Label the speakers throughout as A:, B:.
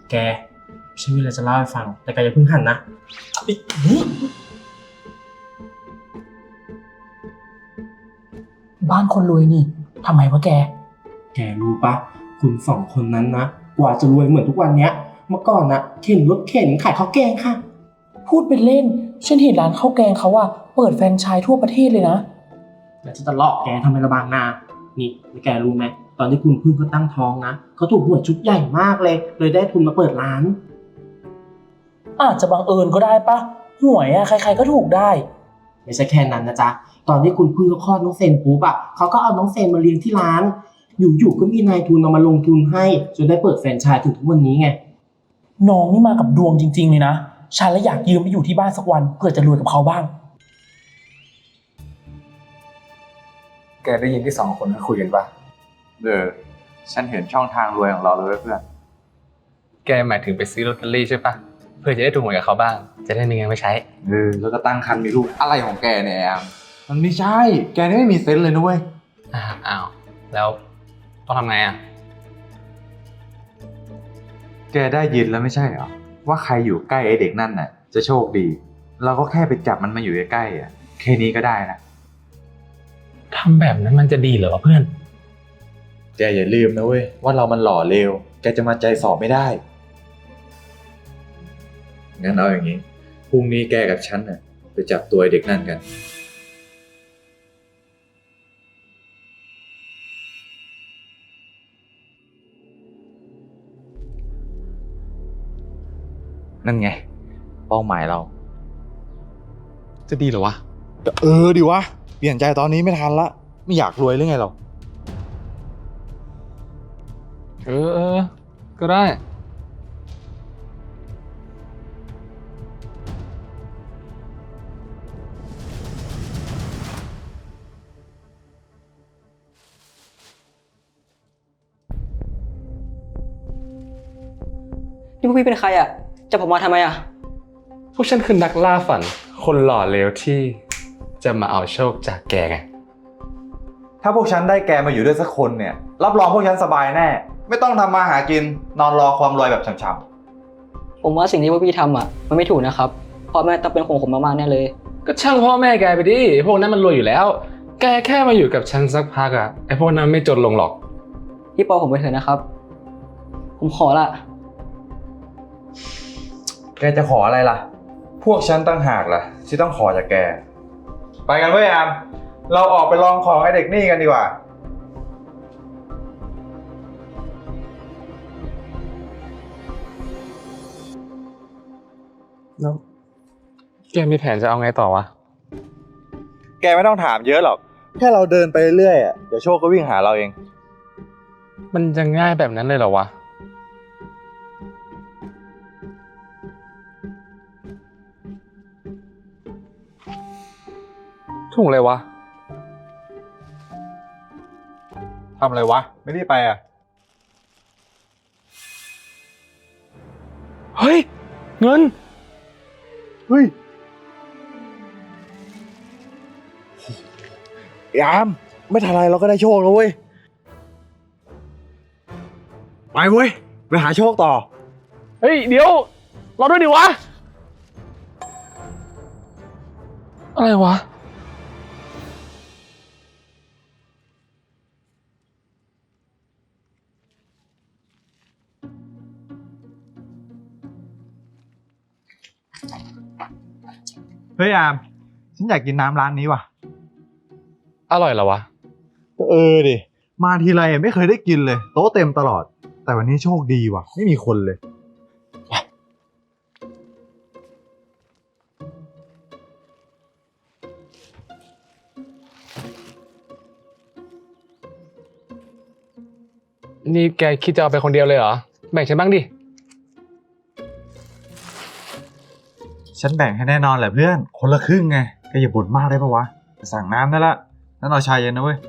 A: แกฉันมีอะไรจะเล่าให้ฟังแต่แกอย่าเพิ่งหันนะนี่
B: บ้านคนรวยนี่ทำไมวะแก
A: รู้ปะคุณสองคนนั้นนะกว่าจะรวยเหมือนทุกวันเนี้ยเมื่อก่อนนะเข็นรถเข็นขายข้าวแกงค่ะ
B: พูดเป็นเล่นฉันเห็นร้านข้าวแกงเขาว่าเปิดแฟรนไชส์ทั่วประเทศเลยนะ
A: แล้วจะหลอกแกทำไมระบางนานี่แกรู้ไหมตอนที่คุณพึ่งเขาตั้งท้องนะเขาถูกหวยชุดใหญ่มากเลยได้ทุนมาเปิดร้าน
B: อาจจะบังเอิญก็ได้ปะหวยอะใครๆก็ถูกได้
A: ไม่ใช่แค่นั้นนะจ๊ะตอนที่คุณพึ่งเขาคลอดน้องเซนปุ๊บอะเขาก็เอาน้องเซนมาเลี้ยงที่ร้านอยู่ๆก็มีนายทุนเอามาลงทุนให้จนได้เปิดแฟรนไชส์ถึงทุกวันนี้ไง
B: น้องนี่มากับดวงจริงๆเลยนะฉันเลยอยากยืมไปอยู่ที่บ้านสักวันเพื่อจะรวยกับเขาบ้าง
C: แกได้ยินที่2 คนนั้นคุยกันปะ
D: ฉันเห็นช่องทางรวยของเราเลยเพื่อน
C: แกหมายถึงไปซื้อลอตเตอรี่ใช่ปะเพื่อจะได้ถูกหวยกับเขาบ้างจะได้มีเงินไปใช้
D: แล้วก็ตั้งครรภ์มีลูกอะไรของแกเนี่ยแอมมันไม่ใช่แกนี่ไม่มีเซนส์เลยนะเว้ย
C: อ้าวแล้วต้องทำไงอ่ะ
D: แกได้ยินแล้วไม่ใช่เหรอว่าใครอยู่ใกล้ไอ้เด็กนั่นน่ะจะโชคดีเราก็แค่ไปจับมันมาอยู่ใกล้ๆอ่ะแค่นี้ก็ได้นะ
C: ทำแบบนั้นมันจะดีเหรอเพื่อน
D: แกอย่าลืมนะเว้ยว่าเรามันหล่อเลวแกจะมาใจสอบไม่ได้งั้นเอาอย่างนี้พรุ่งนี้แกกับฉันน่ะไปจับตัวไอ้เด็กนั่นกันนั่นไงเป้าหมายเรา
C: จะดีเหรอวะ
D: ดีวะเปลี่ยนใจตอนนี้ไม่ทันละไม่อยากรวยหรือไงเรา
C: ก็ได้
E: นี่พวกพี่เป็นใครอ่ะจับผมมาทำไมอ่ะ
C: พวกฉันคือนักล่าฝันคนหล่อเลวที่จะมาเอาโชคจากแกไง
D: ถ้าพวกฉันได้แกมาอยู่ด้วยสักคนเนี่ยรับรองพวกฉันสบายแน่ไม่ต้องทำมาหากินนอนรอความรวยแบบช้ำ
E: ๆผมว่าสิ่งที่พวกพี่ทำอ่ะมันไม่ถูกนะครับพ่อแม่ต้องเป็นห่วงผมมากๆแน่เลย
C: ก็ช่างพ่อแม่แกไปดิพวกนั้นมันรวยอยู่แล้วแกแค่มาอยู่กับฉันสักพักอะไอพวกนั้นไม่จนลงหรอก
E: พี่ปอผมไปเถอะนะครับผมขอละ
D: แกจะขออะไรล่ะพวกฉันตั้งหากล่ะที่ต้องขอจากแกไปกันเว้ยอามเราออกไปลองของไอเด็กนี่กันดีกว่า
C: แล้วแกมีแผนจะเอาไงต่อวะ
D: แกไม่ต้องถามเยอะหรอกแค่เราเดินไปเรื่อยๆเดี๋ยวโชคก็วิ่งหาเราเอง
C: มันจะง่ายแบบนั้นเลยเหรอวะถุงอะไรวะ
D: ทำอะไรวะไม่ได้ไปอ่ะ
C: เฮ้ยเงิน
D: เฮ้ยยามไม่ทันไรเราก็ได้โชคแล้วเว้ยไปเว้ยไปหาโชคต่อ
C: เฮ้ยเดี๋ยวรอด้วยดิวะอะไรวะ
D: เฮ้ยอามฉันอยากกินน้ำร้านนี้ว่ะ
C: อร่อยเหรอวะ
D: ก็ดิมาทีไรไม่เคยได้กินเลยโต๊ะเต็มตลอดแต่วันนี้โชคดีว่ะไม่มีคนเลย
C: นี่แกคิดจะเอาไปคนเดียวเลยเหรอแบ่งฉันบ้างดิ
D: ฉันแบ่งให้แน่นอนแหละเพื่อนคนละครึ่งไงแกอย่าบ่นมากได้ปะวะสั่งน้ำได้ละนั่นเอาชาเย็นนะเว้ย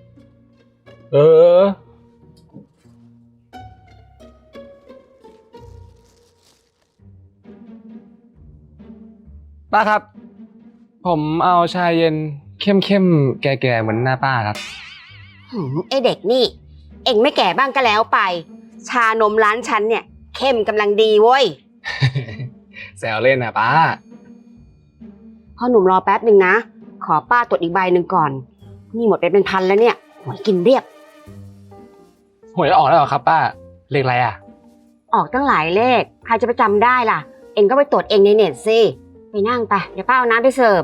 C: ป้าครับผมเอาชาเย็นเข้มๆแก่ๆเหมือนหน้าป้าครับ
F: ไอเด็กนี่เอ็งไม่แก่บ้างก็แล้วไปชานมร้านฉันเนี่ยเข้มกำลังดีเว้ย
C: แซวเล่นนะป้า
F: พ่อหนุ่มรอแป๊บหนึ่งนะ ขอป้าตรวจอีกใบหนึ่งก่อน นี่หมดไปเป็นพันแล้วเนี่ยหวยกินเรียบ
C: หวยออกแล้วเหรอครับป้า เลขอะไรอ่ะ
F: ออกตั้งหลายเลข ใครจะไปจำได้ล่ะ เอ็งก็ไปตรวจเองในเน็ตสิ ไปนั่งไป เดี๋ยวป้าเอาน้ำไปเสิร์ฟ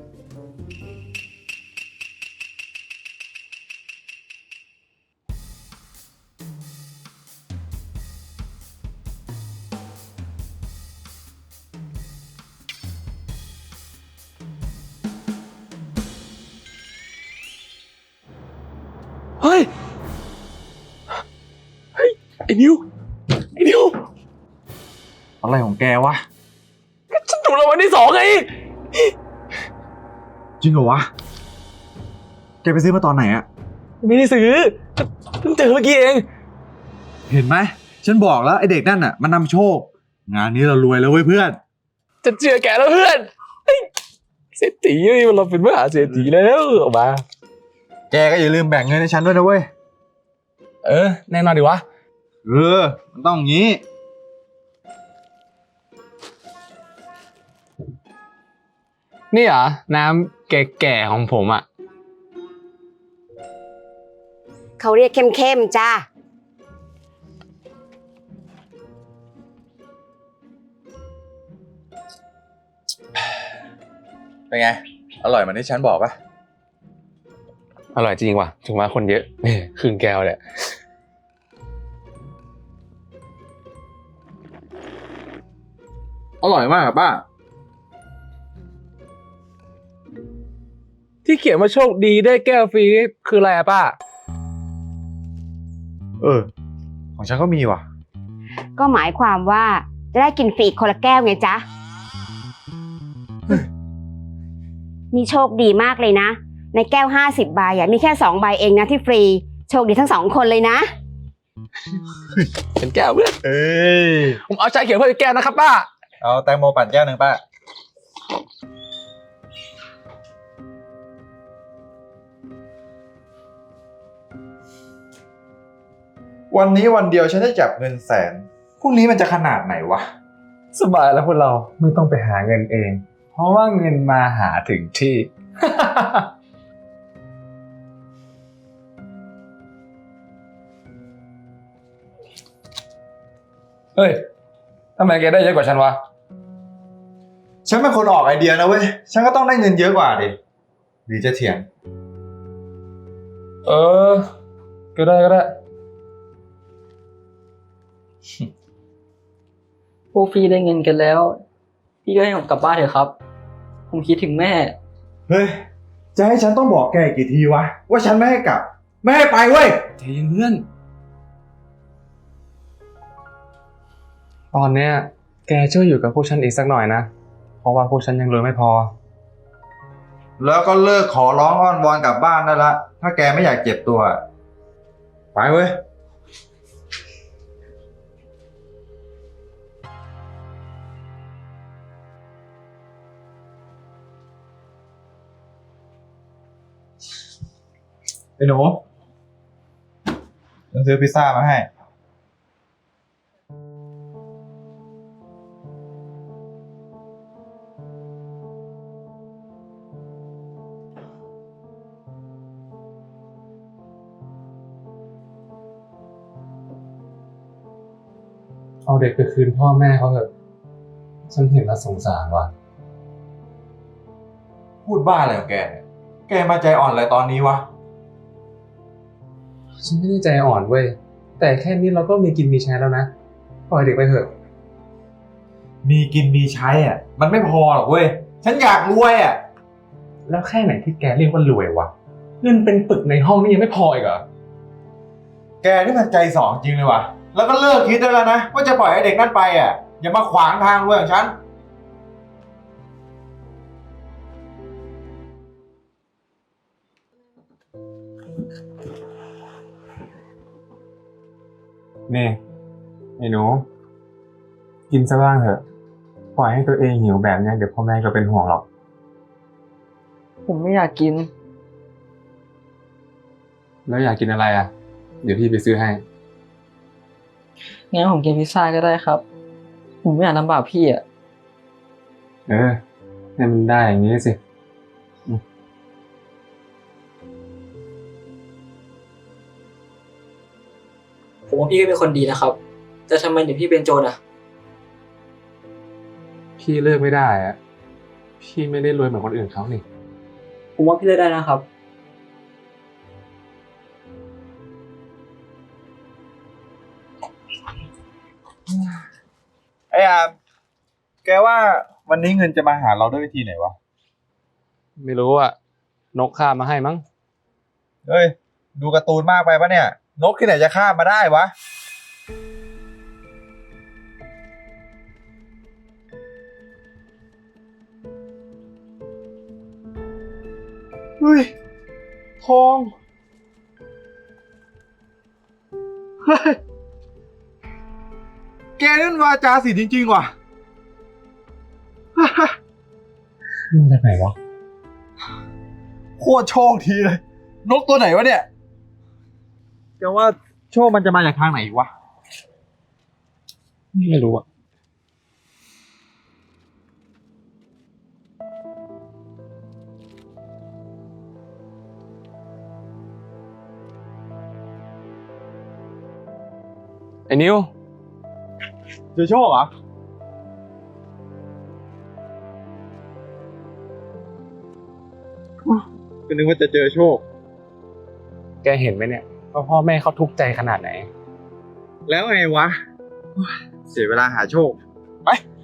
B: เฮ้ย ไอ้นิว
D: อะไรของแกวะ
B: ฉันถูกรางวัลที่2ไง
D: จริงเหรอวะ แกไปซื้อมาตอนไหนอะ
B: ไม่ได้ซื้อเพิ่งเจอเมื่อกี้เอง
D: เห็นไหม ฉันบอกแล้วไอเด็กนั่นน่ะมันนำโชค งานนี้เรารวยแล้วเว้ยเพื่อน
B: จะเชื่อแกแล้วเพื่อนเฮ้ยเศรษฐีนี่เราเป็นมหาเศรษฐีแล้วออกมา
D: แกก็อย่าลืมแบ่งเงินให้ฉันด้วยนะเว้ย
B: แน่นอนดิวะ
D: มันต้องอย่างนี้
C: นี่เหรอ น้ำแก่ๆของผมอ่ะ
F: เขาเรียกเข้มๆจ้า
D: เป็นไง อร่อยเหมือนที่ฉันบอกปะ
C: อร่อยจริงว่ะ ถึงว่าคนเยอะนี่ครึ่งแก้วเลย
D: อร่อยมากอะป้า
C: ที่เขียนว่าโชคดีได้แก้วฟรีนี่คืออะไรอะป้า
D: ของฉันก็มีว่ะ
F: ก็หมายความว่าจะได้กินฟรีคนละแก้วไงจ๊ะ นี่โชคดีมากเลยนะ ในแก้ว50ใบมีแค่2ใบเองนะที่ฟรี โชคดีทั้ง2คนเลยนะ
C: เป็นแก้วเพื่อน ผมเอาชาเขียวเพื่อแก้วนะครับป้า
D: เอาแตงโมปั่นแก้วหนึ่งป้า วันนี้วันเดียวฉันได้จับเงินแสน พรุ่งนี้มันจะขนาดไหนวะ
C: สบายแล้วพวกเราไม่ต้องไปหาเงินเอง เพราะว่าเงินมาหาถึงที่ เฮ้ยทำไมแกได้เยอะกว่าฉันวะ
D: ฉันเป็นคนออกไอเดียนะเว้ย ฉันก็ต้องได้เงินเยอะกว่าดิหรือจะเถียง
C: เออ ก็ได้
E: พวกพี่ได้เงินกันแล้ว พี่ก็ให้ผมกลับบ้านเถอะครับ ผมคิดถึงแม่
D: เฮ้ย จะให้ฉันต้องบอกแกอีกกี่ทีวะ ว่าฉันไม่ให้กลับ ไม่ให้ไปเว้ย
C: ใจเย็นเพื่อน ตอนเนี้ยแกช่วยอยู่กับพวกฉันอีกสักหน่อยนะ เพราะว่าพวกฉันยังรวยไม่พอ
D: แล้วก็เลิกขอร้องอ้อนวอนกลับบ้านได้ละ ถ้าแกไม่อยากเจ็บตัว ไปเว้ย ไอ้หนูฉันซื้อพิซซ่ามาให้
C: เอาเด็กไปคืนพ่อแม่เขาเถอะ ฉันเห็นแล้วสงสารว่ะ
D: พูดบ้าอะไรของแกเนี่ย แกมาใจอ่อนอะไรตอนนี้วะ
C: ฉันไม่ได้ใจอ่อนเว้ย แต่แค่นี้เราก็มีกินมีใช้แล้วนะ ปล่อยเด็กไปเถอะ
D: มีกินมีใช้อ่ะ มันไม่พอหรอกเว้ย ฉันอยากรวยอ่ะ
C: แล้วแค่ไหนที่แกเรียกว่ารวยวะ เงินเป็นปึกในห้องนี่ยังไม่พออีกเหรอ
D: แกนี่มันใจสองจริงเลยวะแล้วก็เลิกคิดได้แล้วนะ ว่าจะปล่อยให้เด็กนั่นไปอ่ะ อย่ามาขวางทางรวยของฉัน
C: นี่ไอ้หนู กินซะบ้างเถอะ ปล่อยให้ตัวเองหิวแบบนี้เดี๋ยวพ่อแม่ก็เป็นห่วงหรอก
E: ผมไม่อยากกิน
C: แล้วอยากกินอะไรอ่ะ เดี๋ยวพี่ไปซื้อให้
E: งั้นผมกินพิซซ่าก็ได้ครับ ผมไม่อยากลำบากพี่อ่ะ
C: ให้มันได้อย่างนี้สิ
E: ผมว่าพี่ก็เป็นคนดีนะครับ แต่ทำไมถึงพี่เป็นโจรอ่ะ
C: พี่เลิกไม่ได้อะพี่ไม่ได้รวยเหมือนคนอื่นเขานี่
E: ผมว่าพี่เลือกได้นะครับ
D: ไอ้อามแกว่าวันนี้เงินจะมาหาเราด้วยวิธีไหนวะ
C: ไม่รู้อะนกข้ามาให้มั้ง
D: เฮ้ย ดูการ์ตูนมากไปปะเนี่ย นกที่ไหนจะข้ามมาได้วะ เฮ้ย ทอง เฮ้ย แกนี่มันวาจาศิลป์จริงๆว่ะ
C: มาจากไหนวะ
D: โคตรโชคดีเลย นกตัวไหนวะเนี่ยแกว่าโชคมันจะมาจากทางไหนวะ
C: ไม่รู้อะไอ้นิว
D: เจอโชคเหรอ ก็นึกว่าจะเจอโชค
C: แกเห็นไหมเนี่ยว่าพ่อแม่เขาทุกข์ใจขนาดไหน
D: แล้วไงวะ เสียเวลาหาโชค ไป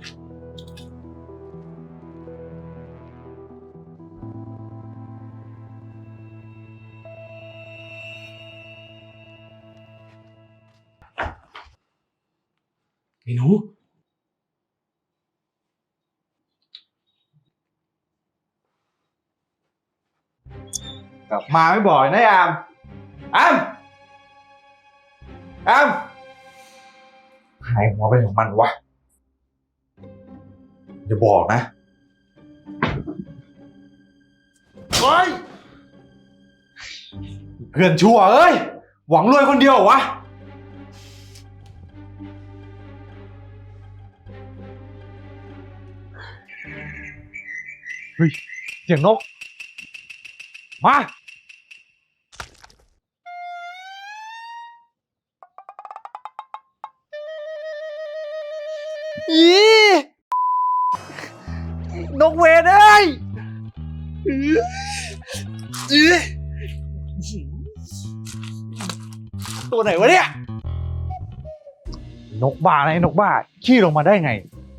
C: ไอ้หนู
D: กลับมาไม่บ่อยนะอามอามอามหายหัวไปของมันวะอย่าบอกนะเฮ้ยเพื่อนชั่วเอ้ย หวังรวยคนเดียวเหรอวะ เฮ้ย เสียงนก มา อีนกเวนเอ้ยตัวไหนวะเนี่ย นกบ้าไงนกบ้า ขี้ลงมาได้ไง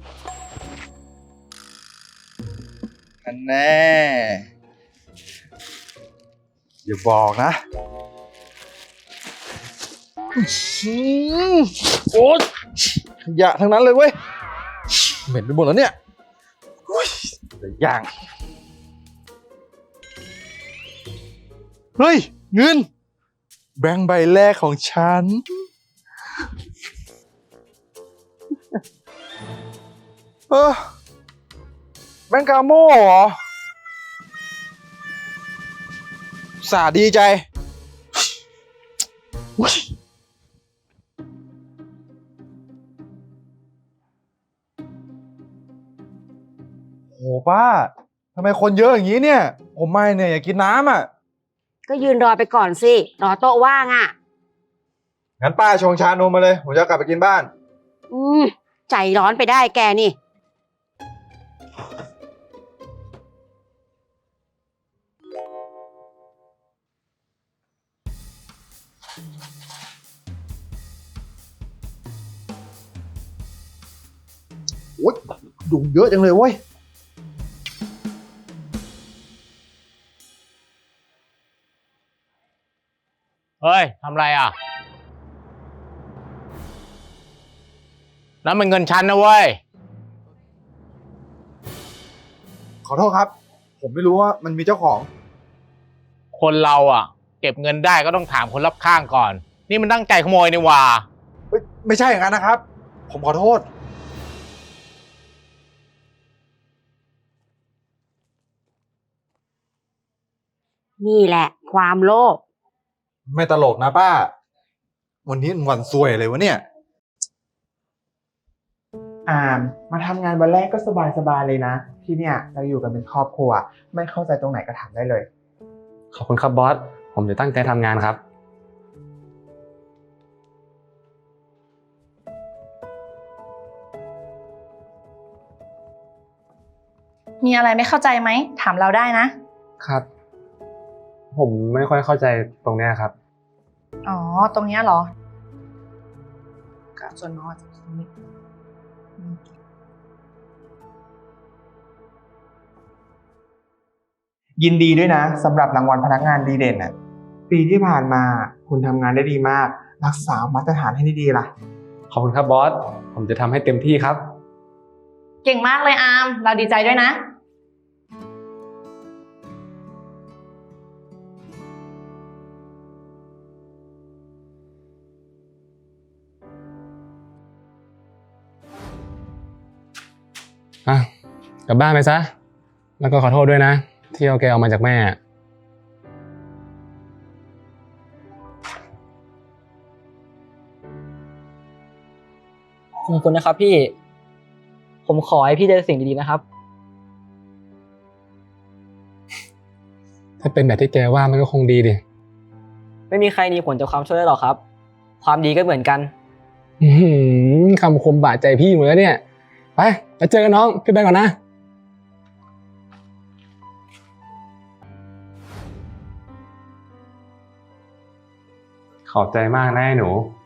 D: อันแน่อย่าบอกนะโอ๊ยขยะทั้งนั้นเลยเว้ย เหม็นไปหมดแล้วเนี่ยแต่ย่าง เฮ้ย เงิน แบงค์ใบแรกของฉัน แบงค์กาโม่เหรอ สาดีใจ โหป้า ทำไมคนเยอะอย่างนี้เนี่ย ผมไม่เนี่ยอยากกินน้ำอ่ะ
F: ก็ยืนรอไปก่อนสิ รอโต๊ะว่างอ่ะ
D: งั้นป้าชงชานมมาเลย ผมจะกลับไปกินบ้าน
F: ใจร้อนไปได้แกนี่
D: โอ๊ยยุงเยอะจังเลยเว้ย
G: เฮ้ย ทำไรอ่ะ แล้วมันเงินฉันนะเว้ย
D: ขอโทษครับ ผมไม่รู้ว่ามันมีเจ้าของ
G: คนเราอ่ะ เก็บเงินได้ก็ต้องถามคนรอบข้างก่อน นี่มันตั้งใจขโมยนี่หว่า
D: ไม่ใช่อย่างนั้นนะครับ ผมขอโทษ
F: นี่แหละ ความโลภ
D: ไม่ตลกนะป้า วันนี้วันซวยเลยวะเนี่ย
H: มาทำงานวันแรกก็สบายๆเลยนะ ที่เนี่ยเราอยู่กันเป็นครอบครัว ไม่เข้าใจตรงไหนก็ถามได้เลย
C: ขอบคุณครับบอส ผมจะตั้งใจทำงานครับ
I: มีอะไรไม่เข้าใจไหม ถามเราได้นะ
C: ครับ ผมไม่ค่อยเข้าใจตรงเนี้ยครับ
I: อ๋อ ตรงเนี้ยเหรอกับส่วนน้อยจากตรงนี้อืม
H: ยินดีด้วยนะสำหรับรางวัลพนักงานดีเด่นน่ะปีที่ผ่านมาคุณทำงานได้ดีมาก รักษามาตรฐานให้ดีๆล่ะ
C: ขอบคุณครับบอส ผมจะทำให้เต็มที่ครับ
I: เก่งมากเลยอาร์ม เราดีใจด้วยนะ
C: อ่ะ กลับบ้านไปซะ แล้วก็ขอโทษด้วยนะ ที่เอาแกออกมาจากแม่
E: ขอบคุณนะครับพี่ ผมขอให้พี่ได้สิ่งดีๆนะครับ
C: ถ้าเป็นแบบที่แกว่ามันก็คงดีดิ
E: ไม่มีใครหนีผลจากความช่วยได้หรอกครับ ความดีก็เหมือนกัน
C: อื้อหือคำคมบาดใจพี่หมดแล้วเนี่ย ไปแล้วเจอกันน้อง ขึ้นไปก่อนนะ ขอบใจมากนะไอ้หนู